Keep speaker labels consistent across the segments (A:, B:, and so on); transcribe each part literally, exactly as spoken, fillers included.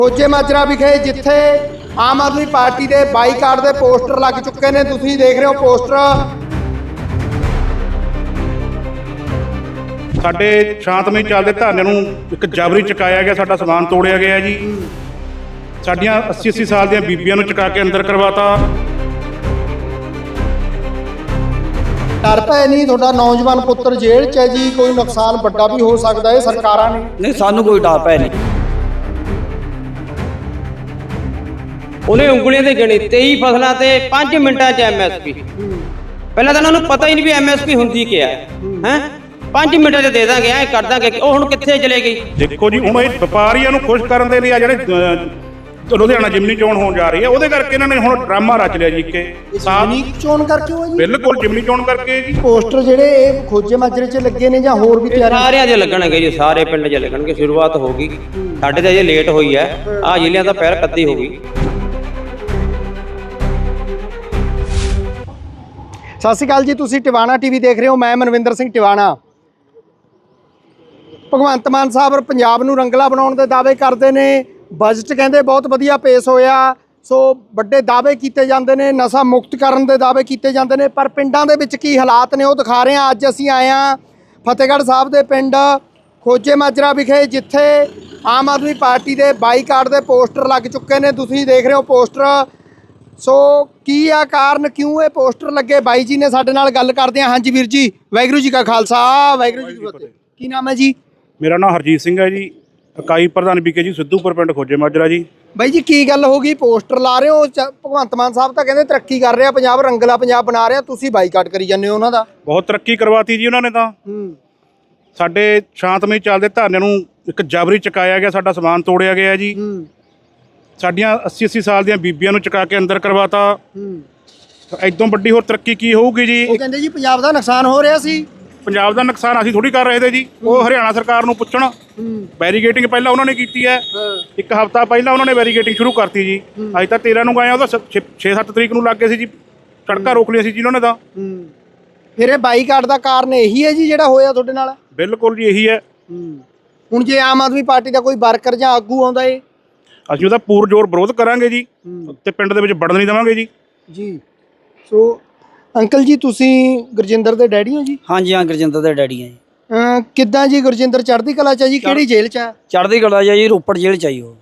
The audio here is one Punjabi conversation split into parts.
A: ਖੋਜੇ ਮਾਜਰਾ ਵਿਖੇ ਜਿੱਥੇ ਆਮ ਆਦਮੀ ਪਾਰਟੀ ਦੇ ਬਾਈਕਾਟ ਦੇ ਪੋਸਟਰ ਲੱਗ ਚੁੱਕੇ ਨੇ। ਤੁਸੀਂ ਦੇਖ ਰਹੇ ਹੋ ਪੋਸਟਰ।
B: ਸਾਡੇ ਸ਼ਾਂਤਮਈ ਚੱਲਦੇ ਧਰਨੇ ਨੂੰ ਇੱਕ ਜਬਰੀ ਚੁਕਾਇਆ ਗਿਆ, ਸਾਡਾ ਸਮਾਨ ਤੋੜਿਆ ਗਿਆ ਜੀ। ਸਾਡੀਆਂ अस्सी अस्सी ਸਾਲ ਦੀਆਂ ਬੀਬੀਆਂ ਨੂੰ ਚੁਕਾ ਕੇ ਅੰਦਰ ਕਰਵਾਤਾ।
A: ਡਰ ਪੈ ਨਹੀਂ ਤੁਹਾਡਾ ਨੌਜਵਾਨ ਪੁੱਤਰ ਜੇਲ੍ਹ 'ਚ ਹੈ ਜੀ, ਕੋਈ ਨੁਕਸਾਨ ਵੱਡਾ ਵੀ ਹੋ ਸਕਦਾ ਹੈ ਸਰਕਾਰਾਂ ਨੇ।
C: ਨਹੀਂ ਸਾਨੂੰ ਕੋਈ ਡਰ ਪੈ ਨਹੀਂ।
D: ਉਹਨੇ ਉਂਗਲੀਆਂ ਤੇ ਗਿਣੇ तेईस ਫਸਲਾਂ ਤੇ पाँच ਮਿੰਟਾਂ 'ਚ ਐਮਐਸਪੀ। ਪਹਿਲਾਂ ਤਾਂ ਉਹਨਾਂ ਨੂੰ ਪਤਾ ਹੀ ਨਹੀਂ ਵੀ ਐਮਐਸਪੀ ਹੁੰਦੀ ਕੀ ਹੈ ਹੈ पाँच ਮਿੰਟਾਂ 'ਚ ਦੇ ਦਾਂਗੇ, ਐ ਕਰ ਦਾਂਗੇ। ਉਹ ਹੁਣ ਕਿੱਥੇ ਚਲੇ ਗਈ?
B: ਦੇਖੋ ਜੀ, ਹੁਣ ਇਹ ਵਪਾਰੀਆਂ ਨੂੰ ਖੁਸ਼ ਕਰਨ ਦੇ ਲਈ ਆ ਜਿਹੜੇ ਲੁਧਿਆਣਾ ਜਿਮਨੀ ਚੋਣ ਹੋਣ ਜਾ ਰਹੀ ਹੈ, ਉਹਦੇ ਕਰਕੇ ਇਹਨਾਂ ਨੇ ਹੁਣ ਡਰਾਮਾ ਰਚ ਲਿਆ ਜੀ ਕਿ
A: ਜਿਮਨੀ ਚੋਣ ਕਰਕੇ ਹੋਇਆ ਜੀ।
B: ਬਿਲਕੁਲ ਜਿਮਨੀ ਚੋਣ ਕਰਕੇ ਜੀ।
A: ਪੋਸਟਰ ਜਿਹੜੇ ਇਹ ਖੋਜੇ ਮਾਜਰੇ 'ਚ ਲੱਗੇ ਨੇ ਜਾਂ ਹੋਰ ਵੀ ਤਿਆਰੀ?
D: ਸਾਰਿਆਂ ਦੇ ਲੱਗਣਗੇ ਜੀ, ਸਾਰੇ ਪਿੰਡ 'ਚ ਲੱਗਣਗੇ। ਸ਼ੁਰੂਆਤ ਹੋ ਗਈ, ਸਾਡੇ ਤਾਂ ਅਜੇ ਲੇਟ ਹੋਈ ਹੈ। ਆਹ ਜ਼ਿਲ੍ਹਿਆਂ ਦਾ ਪਹਿਲ ਕੱਦੀ ਹੋ ਗਈ।
A: ਸਤਿ ਸ਼੍ਰੀ ਅਕਾਲ ਜੀ, ਤੁਸੀਂ ਟਿਵਾਣਾ ਟੀਵੀ ਦੇਖ ਰਹੇ ਹੋ। ਮੈਂ ਮਨਵਿੰਦਰ ਸਿੰਘ ਟਿਵਾਣਾ। ਭਗਵੰਤ ਮਾਨ ਸਾਹਿਬ ਪੰਜਾਬ ਨੂੰ ਰੰਗਲਾ ਬਣਾਉਣ ਦੇ ਦਾਅਵੇ ਕਰਦੇ ਨੇ। ਬਜਟ ਕਹਿੰਦੇ ਬਹੁਤ ਵਧੀਆ ਪੇਸ਼ ਹੋਇਆ, ਸੋ ਵੱਡੇ ਦਾਅਵੇ ਕੀਤੇ ਜਾਂਦੇ ਨੇ, ਨਸ਼ਾ ਮੁਕਤ ਕਰਨ ਦੇ ਦਾਅਵੇ ਕੀਤੇ ਜਾਂਦੇ ਨੇ, ਪਰ ਪਿੰਡਾਂ ਦੇ ਵਿੱਚ ਕੀ ਹਾਲਾਤ ਨੇ ਉਹ ਦਿਖਾ ਰਹੇ ਹਾਂ। ਅੱਜ ਅਸੀਂ ਆਏ ਹਾਂ ਫਤਿਹਗੜ੍ਹ ਸਾਹਿਬ ਦੇ ਪਿੰਡ ਖੋਜੇ ਮਾਜਰਾ ਵਿਖੇ ਜਿੱਥੇ ਆਮ ਆਦਮੀ ਪਾਰਟੀ ਦੇ ਬਾਈਕਾਟ ਦੇ ਪੋਸਟਰ ਲੱਗ ਚੁੱਕੇ ਨੇ। ਤੁਸੀਂ ਦੇਖ ਰਹੇ ਹੋ ਪੋਸਟਰ। ਸੋ ਕੀ ਆ ਕਾਰਨ, ਕਿਉਂ ਇਹ ਪੋਸਟਰ ਲੱਗੇ? ਬਾਈ ਜੀ ਨੇ ਸਾਡੇ ਨਾਲ ਗੱਲ ਕਰਦੇ ਹਾਂ। ਹਾਂਜੀ ਵੀਰ ਜੀ, ਵਾਹਿਗੁਰੂ ਜੀ ਕਾ ਖਾਲਸਾ ਵਾਹਿਗੁਰੂ ਜੀ ਕੀ ਫਤਿਹ। ਕੀ ਨਾਮ ਹੈ ਜੀ?
B: ਮੇਰਾ ਨਾਮ ਹਰਜੀਤ ਸਿੰਘ ਹੈ ਜੀ, ਇਕਾਈ ਪ੍ਰਧਾਨ ਵਿਕੇ ਜੀ, ਸਿੱਧੂਪੁਰ ਪਿੰਡ ਖੋਜੇ ਮਾਜਰਾ ਜੀ।
A: ਬਾਈ ਜੀ ਕੀ ਗੱਲ ਹੋ ਗਈ, ਪੋਸਟਰ ਲਾ ਰਹੇ ਹੋ? ਭਗਵੰਤ ਮਾਨ ਸਾਹਿਬ ਤਾਂ ਕਹਿੰਦੇ ਤਰੱਕੀ ਕਰ ਰਿਹਾ ਪੰਜਾਬ, ਰੰਗਲਾ ਪੰਜਾਬ ਬਣਾ ਰਿਹਾ, ਤੁਸੀਂ ਬਾਈਕਾਟ ਕਰੀ ਜਾਂਦੇ ਹੋ ਉਹਨਾਂ ਦਾ।
B: ਬਹੁਤ ਤਰੱਕੀ ਕਰਵਾਤੀ ਜੀ ਉਹਨਾਂ ਨੇ ਤਾਂ। ਸਾਡੇ ਸ਼ਾਂਤਮਈ ਚੱਲਦੇ ਧਰਨੇ ਨੂੰ ਇੱਕ ਜਬਰੀ ਚੁਕਾਇਆ ਗਿਆ, ਸਾਡਾ ਸਮਾਨ ਤੋੜਿਆ ਗਿਆ ਜੀ। ਸਾਡੀਆਂ अस्सी अस्सी ਸਾਲ ਦੀਆਂ ਬੀਬੀਆਂ ਨੂੰ ਚੁਕਾ ਕੇ ਅੰਦਰ ਕਰਵਾਤਾ। ਇਦੋਂ ਵੱਡੀ ਹੋਰ ਤਰੱਕੀ ਕੀ ਹੋਊਗੀ ਜੀ?
A: ਉਹ ਕਹਿੰਦੇ ਜੀ ਪੰਜਾਬ ਦਾ ਨੁਕਸਾਨ ਹੋ ਰਿਹਾ ਸੀ।
B: ਪੰਜਾਬ ਦਾ ਨੁਕਸਾਨ ਅਸੀਂ ਥੋੜੀ ਕਰ ਰਹੇ ਤੇ ਜੀ, ਉਹ ਹਰਿਆਣਾ ਸਰਕਾਰ ਨੂੰ ਪੁੱਛਣ। ਬੈਰੀਗੇਟਿੰਗ ਪਹਿਲਾਂ ਉਹਨਾਂ ਨੇ ਕੀਤੀ ਹੈ, ਇੱਕ ਹਫ਼ਤਾ ਪਹਿਲਾਂ ਉਹਨਾਂ ਨੇ ਬੈਰੀਗੇਟਿੰਗ ਸ਼ੁਰੂ ਕਰਤੀ ਜੀ। ਅੱਜ ਤਾਂ ਤੇਰਾਂ ਨੂੰ ਗਏ ਆ, ਉਹਦਾ ਛੇ ਸੱਤ ਤਰੀਕ ਨੂੰ ਲੱਗ ਗਏ ਸੀ ਜੀ, ਸੜਕਾਂ ਰੋਕ ਲਿਆ ਸੀ ਜੀ ਉਹਨਾਂ ਨੇ ਤਾਂ।
A: ਫਿਰ ਇਹ ਬਾਈਕਾਟ ਦਾ ਕਾਰਨ ਇਹੀ ਹੈ ਜੀ ਜਿਹੜਾ ਹੋਇਆ ਤੁਹਾਡੇ ਨਾਲ?
B: ਬਿਲਕੁਲ ਜੀ, ਇਹੀ ਹੈ।
A: ਹੁਣ ਜੇ ਆਮ ਆਦਮੀ ਪਾਰਟੀ ਦਾ ਕੋਈ ਵਰਕਰ ਜਾਂ ਆਗੂ ਆਉਂਦਾ ਏ,
B: ਅਸੀਂ ਉਹਦਾ ਪੂਰ ਜ਼ੋਰ ਵਿਰੋਧ ਕਰਾਂਗੇ ਜੀ, ਤੇ ਪਿੰਡ ਦੇ ਵਿੱਚ ਵੜਨ ਨਹੀਂ ਦੇਵਾਂਗੇ ਜੀ।
A: ਜੀ ਸੋ ਅੰਕਲ ਜੀ, ਤੁਸੀਂ ਗੁਰਜਿੰਦਰ ਦੇ ਡੈਡੀ ਹੋ ਜੀ?
C: ਹਾਂਜੀ ਹਾਂ, ਗੁਰਜਿੰਦਰ ਦੇ ਡੈਡੀ ਆ ਜੀ।
A: ਅਹ ਕਿੱਦਾਂ ਜੀ ਗੁਰਜਿੰਦਰ ਚੜ੍ਹਦੀ ਕਲਾ ਚ ਆ ਜੀ? ਕਿਹੜੀ ਜੇਲ੍ਹ ਚ ਆ?
C: ਚੜ੍ਹਦੀ ਕਲਾ ਜੀ, ਰੋਪੜ ਜੇਲ੍ਹ ਚ ਆਈ ਉਹ।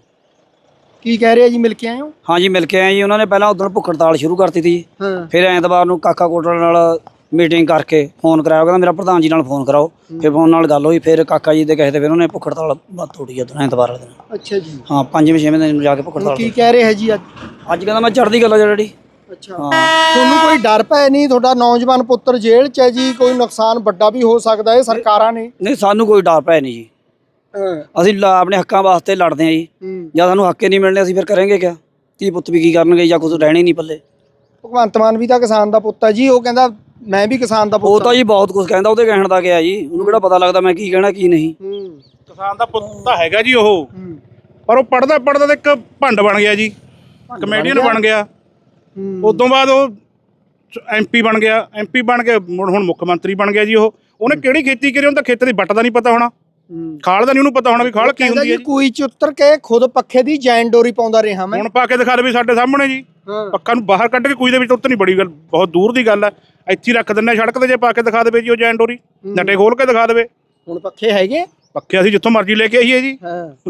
A: ਕੀ ਕਹਿ ਰਹੇ ਆ ਜੀ, ਮਿਲ ਕੇ ਆਏ ਹੋ?
C: ਹਾਂਜੀ ਮਿਲ ਕੇ ਆਏ ਜੀ। ਉਹਨਾਂ ਨੇ ਪਹਿਲਾਂ ਉਦੋਂ ਭੁੱਖ ਹੜਤਾਲ ਸ਼ੁਰੂ ਕਰਤੀ ਸੀ, ਫਿਰ ਐਤਵਾਰ ਨੂੰ ਕਾਕਾ ਕੋਟਲ ਨਾਲ ਮੀਟਿੰਗ ਕਰਕੇ ਫੋਨ ਕਰਾਇਆ, ਕਹਿੰਦਾ ਮੇਰਾ ਪ੍ਰਧਾਨ ਜੀ ਨਾਲ ਫੋਨ ਕਰਾਓ। ਫਿਰ ਫੋਨ ਨਾਲ ਗੱਲ ਹੋਈ, ਫਿਰ ਕਾਕਾ ਜੀ ਦੇ ਕਹੇ ਤੇ ਫਿਰ ਉਹਨੇ ਭੁੱਖ ਹੜਤਾਲ ਬਾਤ ਤੋੜੀ ਉਦੋਂ ਐਤਵਾਰ ਵਾਲੇ ਦਿਨ।
A: ਅੱਛਾ ਜੀ।
C: ਹਾਂ, ਪੰਜਵੇਂ ਛੇਵੇਂ ਦਿਨ ਜਾ ਕੇ ਭੁੱਖ ਹੜਤਾਲ।
A: ਕੀ ਕਹਿ ਰਹੇ ਹੈ ਜੀ ਅੱਜ?
C: ਅੱਜ ਕਹਿੰਦਾ ਮੈਂ ਚੜ੍ਹਦੀ ਕਲਾ ਡੈਡੀ।
A: ਅੱਛਾ, ਤੁਹਾਨੂੰ ਕੋਈ ਡਰ ਪੈ ਨਹੀਂ? ਤੁਹਾਡਾ ਨੌਜਵਾਨ ਪੁੱਤਰ ਜੇਲ੍ਹ 'ਚ ਹੈ ਜੀ, ਕੋਈ ਨੁਕਸਾਨ ਵੱਡਾ ਵੀ ਹੋ ਸਕਦਾ ਹੈ ਸਰਕਾਰਾਂ ਨੇ।
C: ਨਹੀਂ ਸਾਨੂੰ ਕੋਈ ਡਰ ਪੈ ਨਹੀਂ ਜੀ। ਅਸੀਂ ਆਪਣੇ ਹੱਕਾਂ ਵਾਸਤੇ ਲੜਦੇ ਹਾਂ ਜੀ। ਜਾਂ ਸਾਨੂੰ ਹੱਕ ਹੀ ਨਹੀਂ ਮਿਲਣੇ, ਅਸੀਂ ਫਿਰ ਕਰਾਂਗੇ ਕਿਆ? ਧੀ ਪੁੱਤ ਵੀ ਕੀ ਕਰਨਗੇ ਜਾਂ ਕੁਝ ਰਹਿਣੇ ਨਹੀਂ ਪੱਲੇ।
A: ਭਗਵੰਤ ਮਾਨ ਵੀ ਤਾਂ ਕਿਸਾਨ ਦਾ ਪੁੱਤ ਹੈ ਜੀ, ਉਹ ਕਹਿੰਦਾ ਮੈਂ ਵੀ ਕਿਸਾਨ ਦਾ ਪੁੱਤ।
C: ਉਹ ਤਾਂ ਜੀ ਬਹੁਤ ਕੁਝ ਕਹਿੰਦਾ, ਉਹਦੇ ਕਹਿਣ ਦਾ ਗਿਆ ਜੀ, ਉਹਨੂੰ ਕਿਹੜਾ ਪਤਾ ਲੱਗਦਾ ਮੈਂ ਕੀ ਕਹਿਣਾ ਕੀ ਨਹੀਂ।
B: ਕਿਸਾਨ ਦਾ ਪੁੱਤ ਤਾਂ ਹੈਗਾ ਜੀ ਉਹ, ਪਰ ਉਹ ਪੜਦਾ ਪੜਦਾ ਤਾਂ ਇੱਕ ਭੰਡ ਬਣ ਗਿਆ ਜੀ, ਕਮੇਡੀਅਨ ਬਣ ਗਿਆ। ਉਦੋਂ ਬਾਅਦ ਉਹ ਐਮਪੀ ਬਣ ਗਿਆ, ਐਮਪੀ ਬਣ ਕੇ ਹੁਣ ਮੁੱਖ ਮੰਤਰੀ ਬਣ ਗਿਆ ਜੀ। ਉਹ ਉਹਨੇ ਕਿਹੜੀ ਖੇਤੀ ਕਰੀ? ਉਹਨੂੰ ਤਾਂ ਖੇਤ ਦੀ ਵੱਟ ਦਾ ਨਹੀਂ ਪਤਾ ਹੋਣਾ, ਖਾਲ ਦਾ ਨਹੀਂ ਉਹਨੂੰ ਪਤਾ ਹੋਣਾ ਵੀ ਖਾਲ ਕੀ ਹੁੰਦੀ ਹੈ।
A: ਕੋਈ ਚ ਉਤਰ ਕੇ ਖੁਦ ਪੱਖੇ ਦੀ ਜੈਨ ਡੋਰੀ ਪਾਉਂਦਾ ਰਿਹਾ ਮੈਂ।
B: ਹੁਣ ਪਾ ਕੇ ਦਿਖਾ ਦੇ ਵੀ ਸਾਡੇ ਸਾਹਮਣੇ ਜੀ, ਪੱਖਾ ਨੂੰ ਬਾਹਰ ਕੱਢ ਕੇ ਕੋਈ ਦੇ ਵਿੱਚ ਉੱਤ ਨਹੀਂ, ਬੜੀ ਗੱਲ ਬਹੁਤ ਦੂਰ ਦੀ ਗੱਲ ਹੈ। ਇੱਥੇ ਰੱਖ ਦਿੰਦੇ ਸੜਕ ਤੇ, ਜੇ ਪਾ ਕੇ ਦਿਖਾ ਦੇਵੇ ਜੀ ਉਹ ਜੈਨ ਡੋਰੀ, ਨੱਟੇ ਖੋਲ ਕੇ ਦਿਖਾ ਦੇਵੇ।
A: ਹੁਣ ਪੱਖੇ ਹੈਗੇ,
B: ਪੱਖੇ ਅਸੀਂ ਜਿੱਥੋਂ ਮਰਜ਼ੀ ਲੈ ਕੇ ਆਈਏ ਜੀ।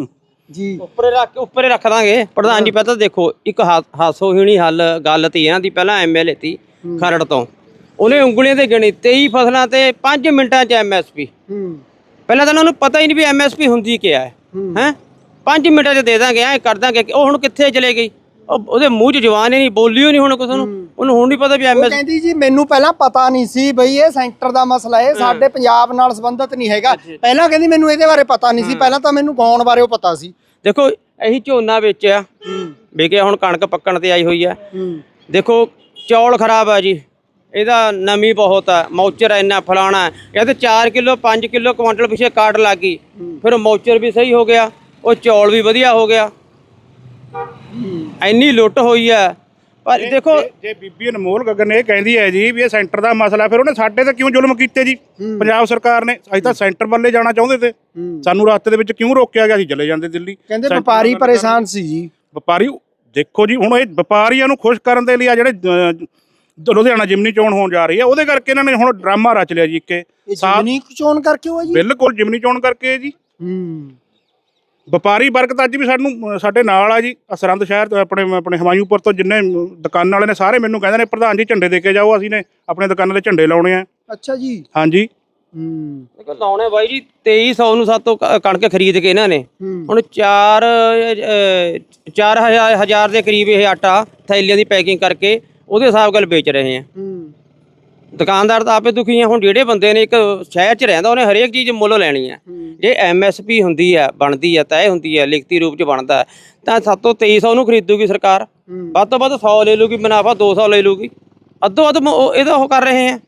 A: ਜੀ
D: ਉੱਪਰੇ ਰੱਖ ਉੱਪਰੇ ਰੱਖ ਦਾਂਗੇ। ਪ੍ਰਧਾਨ ਜੀ ਪਹਿਲਾਂ ਦੇਖੋ, ਇੱਕ ਹਾਸੋਹੀਣੀ ਹੱਲ ਗੱਲ ਤੀ ਇਹਨਾਂ ਦੀ। ਪਹਿਲਾਂ ਐਮਐਲਏ ਤੀ ਖਰੜ ਤੋਂ, ਉਹਨੇ ਉਂਗਲੀਆਂ ਤੇ ਗਿਣੀ तेईस ਫਸਲਾਂ ਤੇ पाँच ਮਿੰਟਾਂ 'ਚ ਐਮਐਸਪੀ। ਪਹਿਲਾਂ ਤਾਂ ਉਹਨਾਂ ਨੂੰ ਪਤਾ ਹੀ ਨਹੀਂ ਵੀ ਐਮਐਸਪੀ ਹੁੰਦੀ ਕੀ ਹੈ ਹੈ पाँच ਮਿੰਟਾਂ 'ਚ ਦੇ ਦਾਂਗੇ, ਐ ਕਰ ਦਾਂਗੇ। ਉਹ ਹੁਣ ਕਿੱਥੇ ਚਲੇ ਗਈ? ਉਹਦੇ ਮੂੰਹ 'ਚ ਜਵਾਨ ਹੀ ਨਹੀਂ, ਬੋਲੀ ਹੀ ਨਹੀਂ ਹੁਣ ਕੁਛ। ਉਹਨੂੰ ਉਹਨੂੰ ਹੁਣ ਨਹੀਂ ਪਤਾ ਵੀ ਐਮਐਸ।
A: ਕਹਿੰਦੀ ਜੀ ਮੈਨੂੰ ਪਹਿਲਾਂ ਪਤਾ ਨਹੀਂ ਸੀ ਬਈ ਇਹ ਸੈਂਟਰ ਦਾ ਮਸਲਾ ਹੈ, ਸਾਡੇ ਪੰਜਾਬ ਨਾਲ ਸੰਬੰਧਿਤ ਨਹੀਂ ਹੈਗਾ। ਪਹਿਲਾਂ ਕਹਿੰਦੀ ਮੈਨੂੰ ਇਹਦੇ ਬਾਰੇ ਪਤਾ ਨਹੀਂ ਸੀ, ਪਹਿਲਾਂ ਤਾਂ ਮੈਨੂੰ ਗਾਉਣ ਬਾਰੇ ਉਹ ਪਤਾ ਸੀ।
D: ਦੇਖੋ ਇਹੀ ਝੋਨਾ ਵਿੱਚ ਆ ਵਿਕਿਆ, ਹੁਣ ਕਣਕ ਪੱਕਣ ਤੇ ਆਈ ਹੋਈ ਆ। ਦੇਖੋ ਚੌਲ ਖਰਾਬ ਆ ਜੀ, ਇਹਦਾ ਨਮੀ ਬਹੁਤ ਆ, ਮੌਚਰ ਇੰਨਾ ਫਲਾਣਾ। ਇਹ ਤੇ ਚਾਰ ਕਿਲੋ ਪੰਜ ਕਿਲੋ ਕੁਆਂਟਲ ਪਿੱਛੇ ਕਾਟ ਲੱਗ ਗਈ, ਫਿਰ ਮੌਚਰ ਵੀ ਸਹੀ ਹੋ ਗਿਆ, ਉਹ ਚੌਲ ਵੀ ਵਧੀਆ ਹੋ ਗਿਆ। ਇੰਨੀ ਲੁੱਟ ਹੋਈ ਆ, ਪਰ ਦੇਖੋ
B: ਜੇ- ਜੇ ਬੀਬੀ ਅਨਮੋਲ ਗਗਨ ਇਹ ਕਹਿੰਦੀ ਹੈ ਜੀ ਵੀ ਇਹ ਸੈਂਟਰ ਦਾ ਮਸਲਾ, ਫਿਰ ਉਹਨੇ ਸਾਡੇ ਤੇ ਕਿਉਂ ਜ਼ੁਲਮ ਕੀਤੇ ਜੀ ਪੰਜਾਬ ਸਰਕਾਰ ਨੇ? ਅਸੀਂ ਤਾਂ ਸੈਂਟਰ ਵੱਲੇ ਜਾਣਾ ਚਾਹੁੰਦੇ ਤੇ, ਸਾਨੂੰ ਰਸਤੇ ਦੇ ਵਿੱਚ ਕਿਉਂ ਰੋਕਿਆ ਗਿਆ? ਅਸੀਂ ਚਲੇ ਜਾਂਦੇ ਦਿੱਲੀ।
A: ਕਹਿੰਦੇ ਵਪਾਰੀ ਪਰੇਸ਼ਾਨ ਸੀ ਜੀ।
B: ਵਪਾਰੀ ਦੇਖੋ ਜੀ, ਹੁਣ ਇਹ ਵਪਾਰੀਆਂ ਨੂੰ ਖੁਸ਼ ਕਰਨ ਦੇ ਲਈ ਆ ਜਿਹੜੇ ਅਹ, ਲੁਧਿਆਣਾ ਜਿਮਨੀ ਚੋਣ ਹੋਣ ਜਾ ਰਹੀ ਹੈ, ਉਹਦੇ ਕਰਕੇ ਇਹਨਾਂ ਨੇ ਹੁਣ ਡਰਾਮਾ ਰਚ ਲਿਆ ਜੀ। ਇੱਕੇ
A: ਜਿਮਨੀ ਚੋਣ ਕਰਕੇ ਹੋਇਆ ਜੀ?
B: ਬਿਲਕੁਲ ਜਿਮਨੀ ਚੋਣ ਕਰਕੇ ਜੀ।
A: ਹੂੰ
B: ਵਪਾਰੀ ਵਰਗ ਤਾਂ ਅੱਜ ਵੀ ਸਾਨੂੰ ਸਾਡੇ ਨਾਲ ਆ ਜੀ। ਸਰਹੰਦ ਸ਼ਹਿਰ ਤੋਂ ਆਪਣੇ ਆਪਣੇ ਹਮਾਇੂਪੁਰ ਤੋਂ ਜਿੰਨੇ ਦੁਕਾਨਾਂ ਵਾਲੇ ਨੇ ਸਾਰੇ ਮੈਨੂੰ ਕਹਿੰਦੇ ਨੇ ਪ੍ਰਧਾਨ ਜੀ ਝੰਡੇ ਦੇ ਕੇ ਜਾਓ, ਅਸੀਂ ਨੇ ਆਪਣੇ ਦੁਕਾਨਾਂ ਦੇ ਝੰਡੇ ਲਾਉਣੇ ਆ।
A: ਅੱਛਾ ਜੀ।
B: ਹਾਂਜੀ
A: ਹੂੰ
D: ਦੇਖੋ ਲਾਉਣੇ ਬਾਈ ਜੀ ਤੇਈ ਸੌ ਨੂੰ ਸਾਤੋਂ ਕ- ਕਣਕ ਖਰੀਦ ਕੇ ਇਹਨਾਂ ਨੇ ਹੁਣ ਚਾਰ ਅਹ, ਚਾਰ ਹਜ਼ਾਰ ਹਜ਼ਾਰ ਦੇ ਕਰੀਬ ਇਹ ਆਟਾ ਥੈਲੀਆਂ ਦੀ ਪੈਕਿੰਗ ਕਰਕੇ ਉਹਦੇ ਹਿਸਾਬ ਨਾਲ ਵੇਚ ਰਹੇ ਆ।
A: ਹੂੰ
D: ਦੁਕਾਨਦਾਰ ਤਾਂ ਆਪੇ ਦੁਖੀ ਆ। ਹੁਣ ਜਿਹੜੇ ਬੰਦੇ ਨੇ ਇੱਕ ਸ਼ਹਿਰ 'ਚ ਰਹਿੰਦਾ ਉਹਨੇ ਹਰੇਕ ਚੀਜ਼ ਮੁੱਲ ਲੈਣੀ ਆ। ਜੇ ਐਮ ਐਸ ਪੀ ਹੁੰਦੀ ਆ, ਬਣਦੀ ਆ, ਤੈਅ ਹੁੰਦੀ ਆ, ਲਿਖਤੀ ਰੂਪ 'ਚ ਬਣਦਾ ਤਾਂ ਸਾਤੋਂ ਤੇਈ ਸੌ ਨੂੰ ਖਰੀਦੂਗੀ ਸਰਕਾਰ। ਵੱਧ ਤੋਂ ਵੱਧ ਸੌ ਲੈ ਲੂਗੀ ਮੁਨਾਫਾ, ਦੋ ਸੌ ਲੈ ਲੂਗੀ। ਅੱਧੋ ਅੱਧ ਮ- ਉਹ- ਇਹਦਾ ਉਹ ਕਰ ਰਹੇ ਆ।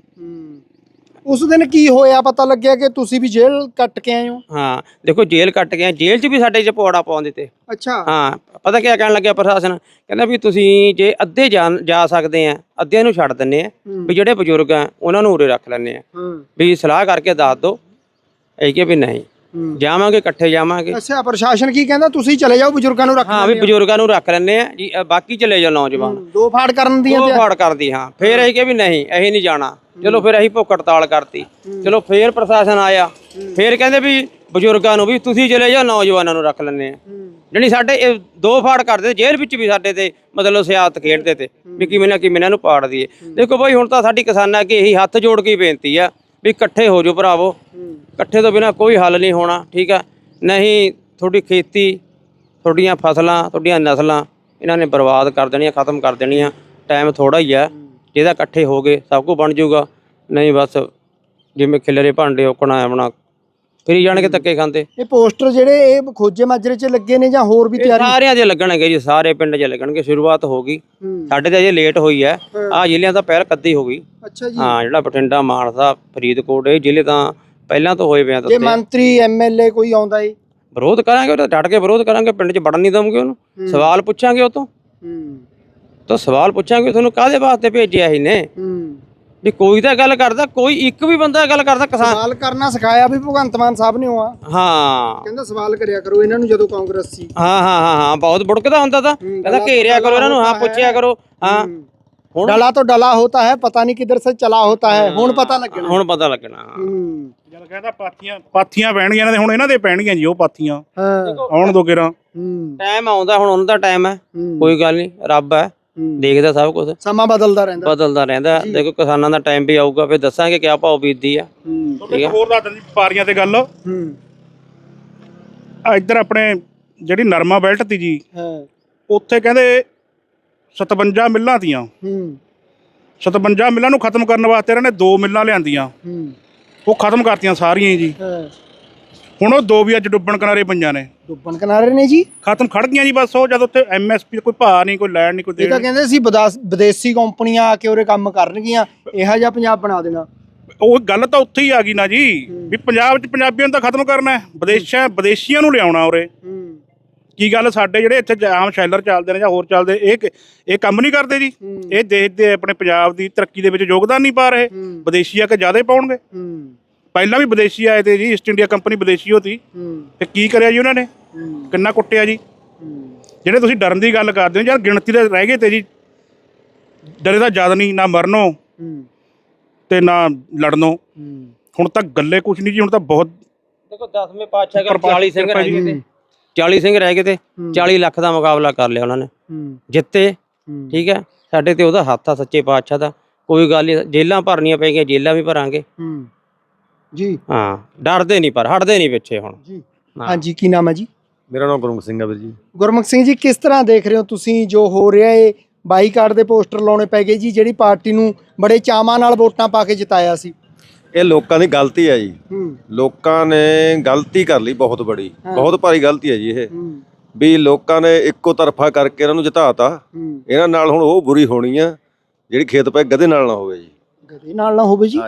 A: ਉਸ ਦਿਨ ਕੀ ਹੋਇਆ ਪਤਾ ਲੱਗਿਆ ਕਿ ਤੁਸੀਂ ਵੀ ਜੇਲ੍ਹ ਕੱਟ ਕੇ ਆਏ ਹੋ?
D: ਹਾਂ ਦੇਖੋ ਜੇਲ੍ਹ ਕੱਟ ਕੇ ਆ, ਜੇਲ੍ਹ 'ਚ ਵੀ ਸਾਡੇ 'ਚ ਪੌੜਾ ਪਾਉਣ ਦਿੱਤੇ।
A: ਅੱਛਾ।
D: ਹਾਂ ਪਤਾ ਕੀ ਕਹਿਣ ਲੱਗਿਆ ਪ੍ਰਸ਼ਾਸਨ, ਕਹਿੰਦਾ ਵੀ ਤੁਸੀਂ ਜੇ ਅੱਧੇ ਜਾ ਜਾ ਸਕਦੇ ਆ ਅੱਧਿਆਂ ਨੂੰ ਛੱਡ ਦਿੰਨੇ ਆ, ਵੀ ਜਿਹੜੇ ਬਜ਼ੁਰਗ ਆ ਉਹਨਾਂ ਨੂੰ ਉਰੇ ਰੱਖ ਲੈਂਦੇ ਆ, ਵੀ ਸਲਾਹ ਕਰਕੇ ਦੱਸ ਦਿਓ। ਇਹ ਕਿ ਵੀ ਨਹੀਂ ਜਾਵਾਂਗੇ ਇਕੱਠੇ ਜਾਵਾਂਗੇ।
A: ਅੱਛਾ ਪ੍ਰਸ਼ਾਸਨ ਕੀ ਕਹਿੰਦਾ? ਤੁਸੀਂ ਚਲੇ ਜਾਓ ਬਜ਼ੁਰਗਾਂ ਨੂੰ ਰੱਖ
D: ਹਾਂ ਵੀ ਬਜ਼ੁਰਗਾਂ ਨੂੰ ਰੱਖ ਲੈਂਦੇ ਆ ਜੀ, ਅ, ਬਾਕੀ ਚਲੇ ਜਾਓ ਨੌਜਵਾਨ।
A: ਦੋ ਫਾੜ ਕਰਨ ਦੀਆਂ
D: ਉਹ ਫਾੜ ਕਰਦੀ ਹਾਂ। ਫੇਰ ਇਹ ਕਿ ਵੀ ਨਹੀਂ ਅਸੀਂ ਨਹੀਂ ਜਾਣਾ। ਚਲੋ ਫਿਰ ਅਸੀਂ ਭੁੱਖ ਹੜਤਾਲ ਕਰਤੀ। ਚਲੋ ਫੇਰ ਪ੍ਰਸ਼ਾਸਨ ਆਇਆ, ਫੇਰ ਕਹਿੰਦੇ ਵੀ ਬਜ਼ੁਰਗਾਂ ਨੂੰ ਵੀ ਤੁਸੀਂ ਚਲੇ ਜਾਓ, ਨੌਜਵਾਨਾਂ ਨੂੰ ਰੱਖ ਲੈਂਦੇ ਆ। ਜਾਣੀ ਸਾਡੇ ਇਹ ਦੋ ਫਾੜ ਕਰਦੇ, ਜੇਲ੍ਹ ਵਿੱਚ ਵੀ ਸਾਡੇ ਤੇ ਮਤਲਬ ਸਿਆਸਤ ਖੇਡਦੇ ਤੇ ਵੀ ਕਿਵੇਂ ਨਾ ਕਿਵੇਂ ਇਹਨਾਂ ਨੂੰ ਪਾੜ ਦਈਏ। ਦੇਖੋ ਬਾਈ ਹੁਣ ਤਾਂ ਸਾਡੀ ਕਿਸਾਨਾਂ ਅੱਗੇ ਇਹੀ ਹੱਥ ਜੋੜ ਕੇ ਬੇਨਤੀ ਆ ਵੀ ਇਕੱਠੇ ਹੋ ਜਾਓ ਭਰਾਵੋ। ਇਕੱਠੇ ਤੋਂ ਬਿਨਾਂ ਕੋਈ ਹੱਲ ਨਹੀਂ ਹੋਣਾ, ਠੀਕ ਆ? ਨਹੀਂ ਤੁਹਾਡੀ ਖੇਤੀ, ਤੁਹਾਡੀਆਂ ਫਸਲਾਂ, ਤੁਹਾਡੀਆਂ ਨਸਲਾਂ ਇਹਨਾਂ ਨੇ ਬਰਬਾਦ ਕਰ ਦੇਣੀਆਂ, ਖਤਮ ਕਰ ਦੇਣੀਆਂ। ਟਾਈਮ ਥੋੜਾ ਹੀ ਆ, ਜਿਹਦਾ ਇਕੱਠੇ ਹੋ ਗਏ ਸਭ ਕੁਝ ਬਣ ਜਾਊਗਾ। ਨਹੀਂ ਬਸ ਜਿਵੇਂ ਖਿਲਰੇ ਭਾਂਡੇ ਓਕਣਾ ਆਪਣਾ ਫਿਰੀ ਜਾਣਗੇ ਧੱਕੇ ਖਾਂਦੇ।
A: ਇਹ ਪੋਸਟਰ ਜਿਹੜੇ ਇਹ ਖੋਜੇ ਮਾਜਰੇ 'ਚ ਲੱਗੇ ਨੇ ਜਾਂ ਹੋਰ ਵੀ
D: ਇਹ
A: ਤਿਆਰੀ?
D: ਸਾਰਿਆਂ ਦੇ ਲੱਗਣਗੇ ਜੀ, ਸਾਰੇ ਪਿੰਡ 'ਚ ਲੱਗਣਗੇ। ਸ਼ੁਰੂਆਤ ਹੋ ਗਈ, ਸਾਡੇ ਤੇ ਅਜੇ ਲੇਟ ਹੋਈ ਹੈ। ਆਹ ਜ਼ਿਲ੍ਹਿਆਂ ਤਾਂ ਪਹਿਲ ਕੱਦੀ ਹੋ ਗਈ।
A: ਅੱਛਾ ਜੀ।
D: ਹਾਂ ਜਿਹੜਾ ਬਠਿੰਡਾ, ਮਾਨਸਾ, ਫਰੀਦਕੋਟ ਇਹ ਜ਼ਿਲ੍ਹੇ ਤਾਂ ਪਹਿਲਾਂ ਤੋਂ ਹੋਏ ਪਿਆ।
A: ਜੇ ਮੰਤਰੀ ਐਮ ਐਲ ਏ ਕੋਈ ਆਉਂਦਾ ਏ?
D: ਵਿਰੋਧ ਕਰਾਂਗੇ, ਉਹ ਤਾਂ ਡਟ ਕੇ ਵਿਰੋਧ ਕਰਾਂਗੇ। ਪਿੰਡ 'ਚ ਵੜਨ ਨਹੀਂ ਦਵਾਂਗੇ ਉਹਨੂੰ। ਸਵਾਲ ਪੁੱਛਾਂਗੇ ਉਹ ਤੋਂ ਤਾਂ ਸਵਾਲ ਪੁੱਛਾਂਗੇ ਤੁਹਾਨੂੰ ਕਾਹਦੇ ਵਾਸਤੇ ਭੇਜਿਆ ਸੀ ਨੇ, ਵੀ ਕੋਈ ਤਾਂ ਗੱਲ ਕਰਦਾ, ਕੋਈ ਇੱਕ ਵੀ ਬੰਦਾ ਗੱਲ ਕਰਦਾ। ਕਿਸਾਨ
A: ਸਵਾਲ ਕਰਨਾ ਸਿਖਾਇਆ ਵੀ ਭਗਵੰਤ ਮਾਨ ਸਾਹਿਬ ਨੇ ਆ।
D: ਹਾਂ
A: ਕਹਿੰਦਾ ਸਵਾਲ ਕਰਿਆ ਕਰੋ ਇਹਨਾਂ ਨੂੰ ਜਦੋਂ ਕਾਂਗਰਸ ਸੀ।
D: ਹਾਂ ਹਾਂ ਹਾਂ ਹਾਂ ਬਹੁਤ ਬੁੜਕਦਾ ਹੁੰਦਾ ਤਾਂ ਕਹਿੰਦਾ ਘੇਰਿਆ ਕਰੋ ਇਹਨਾਂ ਨੂੰ, ਹਾਂ ਪੁੱਛਿਆ ਕਰੋ। ਹਾਂ ਹੁਣ
A: ਡਲਾ ਤੋਂ ਡਲਾ ਹੋਤਾ ਹੈ, ਪਤਾ ਨਹੀਂ ਕਿੱਧਰ ਸੇ ਚਲਾ ਹੋਤਾ ਹੈ। ਹੁਣ ਪਤਾ ਲੱਗਣਾ,
D: ਹੁਣ ਪਤਾ ਲੱਗਣਾ।
B: ਜਦ ਕਹਿੰਦਾ ਪਾਥੀਆਂ ਪਾਥੀਆਂ ਪੈਣਗੀਆਂ ਇਹਨਾਂ ਦੇ, ਹੁਣ ਇਹਨਾਂ ਦੇ ਪੈਣਗੀਆਂ ਜੀ ਉਹ ਪਾਥੀਆਂ।
A: ਹਾਂ
B: ਆਉਣ ਦੋ ਕਿਰਾਂ
D: ਟਾਈਮ ਆਉਂਦਾ, ਹੁਣ ਉਹਨਾਂ ਦਾ ਟਾਈਮ ਹੈ। ਕੋਈ ਗੱਲ ਨਹੀਂ, ਰੱਬ ਹੈ ਦੇਖਦਾ ਸਭ ਕੁਝ,
A: ਸਮਾਂ ਬਦਲਦਾ ਰਹਿੰਦਾ
D: ਬਦਲਦਾ ਰਹਿੰਦਾ। ਦੇਖੋ ਕਿਸਾਨਾਂ ਦਾ ਟਾਈਮ ਵੀ ਆਊਗਾ, ਫਿਰ ਦੱਸਾਂਗੇ ਕਿਆ ਭਾਅ ਬੀਤਦੀ ਆ।
B: ਠੀਕ ਹੈ। ਹੋਰ ਦੱਸ ਦਿੰਦੀ ਵਪਾਰੀਆਂ ਤੇ ਗੱਲ। ਆ ਇੱਧਰ ਆਪਣੇ ਜਿਹੜੀ ਨਰਮਾ ਬੈਲਟ ਤੀ ਜੀ, ਉੱਥੇ ਕਹਿੰਦੇ ਸਤਵੰਜਾ ਮਿੱਲਾਂ ਤੀਆਂ। ਸਤਵੰਜਾ ਮਿੱਲਾਂ ਨੂੰ ਖਤਮ ਕਰਨ ਵਾਸਤੇ ਇਹਨਾਂ ਨੇ ਦੋ ਮਿੱਲਾਂ ਲਿਆਂਦੀਆਂ, ਉਹ ਖਤਮ ਕਰਤੀਆਂ ਸਾਰੀਆਂ ਜੀ। ਹੁਣ ਉਹ ਦੋ ਵੀ ਅੱਜ ਡੁੱਬਣ ਕਿਨਾਰੇ ਪਈਆਂ ਨੇ।
A: ਡੁੱਬਣ ਕਿਨਾਰੇ ਨੇ ਜੀ?
B: ਖਤਮ ਖੜ ਗਈਆਂ ਜੀ ਬਸ। ਉਹ ਜਦ ਉੱਥੇ ਐਮ ਐਸ ਪੀ ਕੋਈ ਭਾਅ ਨਹੀਂ, ਕੋਈ ਲੈਣ ਨਹੀਂ, ਕੋਈ
A: ਇਹ ਤਾਂ
B: ਦੇਣ।
A: ਕਹਿੰਦੇ ਸੀ ਵਿਦਾਸ- ਵਿਦੇਸ਼ੀ ਕੰਪਨੀਆਂ ਆ ਕੇ ਉਰੇ ਕੰਮ ਕਰਨਗੀਆਂ, ਇਹੋ ਜਿਹਾ ਪੰਜਾਬ ਬਣਾ ਦੇਣਾ।
B: ਉਹ ਗੱਲ ਤਾਂ ਉੱਥੇ ਹੀ ਆ ਗਈ ਨਾ ਜੀ, ਵੀ ਪੰਜਾਬ 'ਚ ਪੰਜਾਬੀਆਂ ਨੂੰ ਤਾਂ ਖਤਮ ਕਰਨਾ ਹੈ, ਵਿਦੇਸ਼ਾਂ ਵਿਦੇਸ਼ੀਆਂ ਨੂੰ ਲਿਆਉਣਾ ਉਰੇ। ਕੀ ਗੱਲ ਸਾਡੇ ਜਿਹੜੇ ਇੱਥੇ ਆਮ ਸ਼ੈਲਰ ਚੱਲਦੇ ਨੇ ਜਾਂ ਹੋਰ ਚੱਲਦੇ, ਇਹ ਇਹ ਕੰਮ ਨਹੀਂ ਕਰਦੇ ਜੀ? ਇਹ ਦੇਸ਼ ਦੇ ਆਪਣੇ ਪੰਜਾਬ ਦੀ ਤਰੱਕੀ ਦੇ ਵਿੱਚ ਯੋਗਦਾਨ ਨਹੀਂ ਪਾ ਰਹੇ? ਵਿਦੇਸ਼ੀ ਆ ਕੇ ਜ਼ਿਆਦਾ ਪਾਉਣਗੇ। ਪਹਿਲਾਂ ਵੀ ਵਿਦੇਸ਼ੀ ਆਏ ਤੇ ਜੀ, ਈਸਟ ਇੰਡੀਆ ਕੰਪਨੀ ਵਿਦੇਸ਼ੀ ਹੋਤੀ, ਤੇ ਕੀ ਕਰਿਆ ਜੀ ਉਹਨਾਂ ਨੇ? ਕਿੰਨਾ ਕੁੱਟਿਆ ਜੀ। ਜਿਹੜੇ ਤੁਸੀਂ ਡਰਨ ਦੀ ਗੱਲ ਕਰਦੇ ਹੋ ਯਾਰ, ਗਿਣਤੀ ਦੇ ਰਹਿ ਗਏ ਤੇ ਜੀ। ਡਰੇ ਤਾਂ ਜ਼ਿਆਦਾ ਨਹੀਂ, ਨਾ ਮਰਨੋਂ ਤੇ ਨਾ ਲੜਨੋਂ। ਹੁਣ ਤਾਂ ਗੱਲੇ ਕੁਛ ਨਹੀਂ ਜੀ, ਹੁਣ ਤਾਂ ਬਹੁਤ।
D: ਦੇਖੋ ਦਸਵੇਂ ਪਾਤਸ਼ਾਹ ਕੋਲ ਚਾਲੀ ਸਿੰਘ ਰਹਿ ਗਏ ਤੇ ਚਾਲੀ ਸਿੰਘ ਰਹਿ ਗਏ ਤੇ ਚਾਲੀ ਲੱਖ ਦਾ ਮੁਕਾਬਲਾ ਕਰ ਲਿਆ ਉਹਨਾਂ ਨੇ, ਜਿੱਤੇ। ਠੀਕ ਹੈ, ਸਾਡੇ ਤੇ ਉਹਦਾ ਹੱਥ ਆ ਸੱਚੇ ਪਾਤਸ਼ਾਹ ਦਾ। ਕੋਈ ਗੱਲ ਨਹੀਂ, ਜੇਲਾਂ ਭਰਨੀਆਂ ਪਈਆਂ, ਜੇਲਾਂ ਵੀ ਭਰਾਂਗੇ
A: ਜੀ। ਹਾਂ
D: ਡਰਦੇ ਨਹੀਂ, ਪਰ ਹਟਦੇ ਨਹੀਂ ਪਿੱਛੇ ਹੁਣ
A: ਜੀ। ਹਾਂਜੀ ਕੀ ਨਾਮ ਹੈ ਜੀ?
E: ਮੇਰਾ ਨਾਮ ਗੁਰਮੁਖ ਸਿੰਘ ਹੈ ਵੀਰ ਜੀ।
A: ਗੁਰਮੁਖ ਸਿੰਘ ਜੀ, ਕਿਸ ਤਰ੍ਹਾਂ ਦੇਖ ਰਹੇ ਹੋ ਤੁਸੀਂ ਜੋ ਹੋ ਰਿਹਾ ਏ? ਬਾਈਕਾਟ ਦੇ ਪੋਸਟਰ ਲਾਉਣੇ ਪੈ ਗਏ ਜੀ, ਜਿਹੜੀ ਪਾਰਟੀ ਨੂੰ ਬੜੇ ਚਾਵਾਂ ਨਾਲ ਵੋਟਾਂ ਪਾ ਕੇ ਜਿਤਾਇਆ ਸੀ।
E: ਇਹ ਲੋਕਾਂ ਦੀ ਗਲਤੀ ਹੈ ਜੀ। ਲੋਕਾਂ ਨੇ ਗਲਤੀ ਕਰ ਲਈ ਬਹੁਤ ਬੜੀ, ਬਹੁਤ ਭਾਰੀ ਗਲਤੀ ਹੈ ਜੀ ਇਹ। ਵੀ ਲੋਕਾਂ ਨੇ ਇੱਕੋ ਤਰਫਾ ਕਰਕੇ ਇਹਨਾਂ ਨੂੰ ਜਿਤਾਤਾ। ਇਹਨਾਂ ਨਾਲ ਹੁਣ ਉਹ ਬੁਰੀ ਹੋਣੀ ਆ ਜਿਹੜੀ ਖੇਤ ਪੈ ਗਧੇ ਨਾਲ ਨਾ ਹੋਵੇ ਜੀ।
A: ਗਧੇ ਨਾਲ ਨਾ ਹੋਵੇ ਜੀ?
E: ਹਾਂ ਜੀ।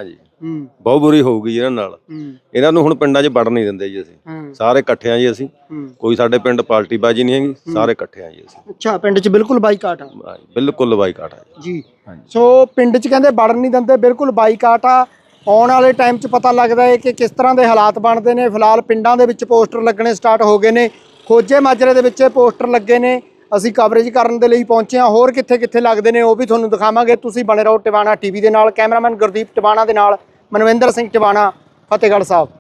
E: ਬਹੁਤ ਬੁਰੀ ਹੋਊਗੀ ਇਹਨਾਂ ਨਾਲ। ਇਹਨਾਂ ਨੂੰ ਹੁਣ ਪਿੰਡਾਂ 'ਚ ਵੜ ਨਹੀਂ ਦਿੰਦੇ ਜੀ ਅਸੀਂ, ਸਾਰੇ ਇਕੱਠੇ ਆ ਜੀ ਅਸੀਂ, ਕੋਈ ਸਾਡੇ ਪਿੰਡ ਪਾਰਟੀ ਬਾਜੀ ਨਹੀਂ ਹੈਗੀ, ਸਾਰੇ ਇਕੱਠੇ ਆ ਜੀ ਅਸੀਂ।
A: ਅੱਛਾ, ਪਿੰਡ 'ਚ ਬਿਲਕੁਲ ਬਾਈਕਾਟ ਆ
E: ਬਿਲਕੁਲ ਬਾਈਕਾਟ ਆ
A: ਜੀ। ਸੋ ਪਿੰਡ 'ਚ ਕਹਿੰਦੇ ਵੜਨ ਨਹੀਂ ਦਿੰਦੇ, ਬਿਲਕੁਲ ਬਾਈਕਾਟ ਆ। ਆਉਣ ਵਾਲੇ ਟਾਈਮ 'ਚ ਪਤਾ ਲੱਗਦਾ ਹੈ ਕਿ ਕਿਸ ਤਰ੍ਹਾਂ ਦੇ ਹਾਲਾਤ ਬਣਦੇ ਨੇ। ਫਿਲਹਾਲ ਪਿੰਡਾਂ ਦੇ ਵਿੱਚ ਪੋਸਟਰ ਲੱਗਣੇ ਸਟਾਰਟ ਹੋ ਗਏ ਨੇ, ਖੋਜੇ ਮਾਜਰੇ ਦੇ ਵਿੱਚ ਇਹ ਪੋਸਟਰ ਲੱਗੇ ਨੇ। ਅਸੀਂ ਕਵਰੇਜ ਕਰਨ ਦੇ ਲਈ ਪਹੁੰਚੇ ਹਾਂ, ਹੋਰ ਕਿੱਥੇ ਕਿੱਥੇ ਲੱਗਦੇ ਨੇ ਉਹ ਵੀ ਤੁਹਾਨੂੰ ਦਿਖਾਵਾਂਗੇ। ਤੁਸੀਂ ਬਣੇ ਰਹੋ ਟਿਵਾਣਾ ਟੀਵੀ ਦੇ ਨਾਲ। ਕੈਮਰਾਮੈਨ ਗੁਰਦੀਪ ਟਿਵਾਣਾ ਦੇ ਨਾਲ ਮਨਵਿੰਦਰ ਸਿੰਘ ਟਿਵਾਣਾ, ਫਤਿਹਗੜ੍ਹ ਸਾਹਿਬ।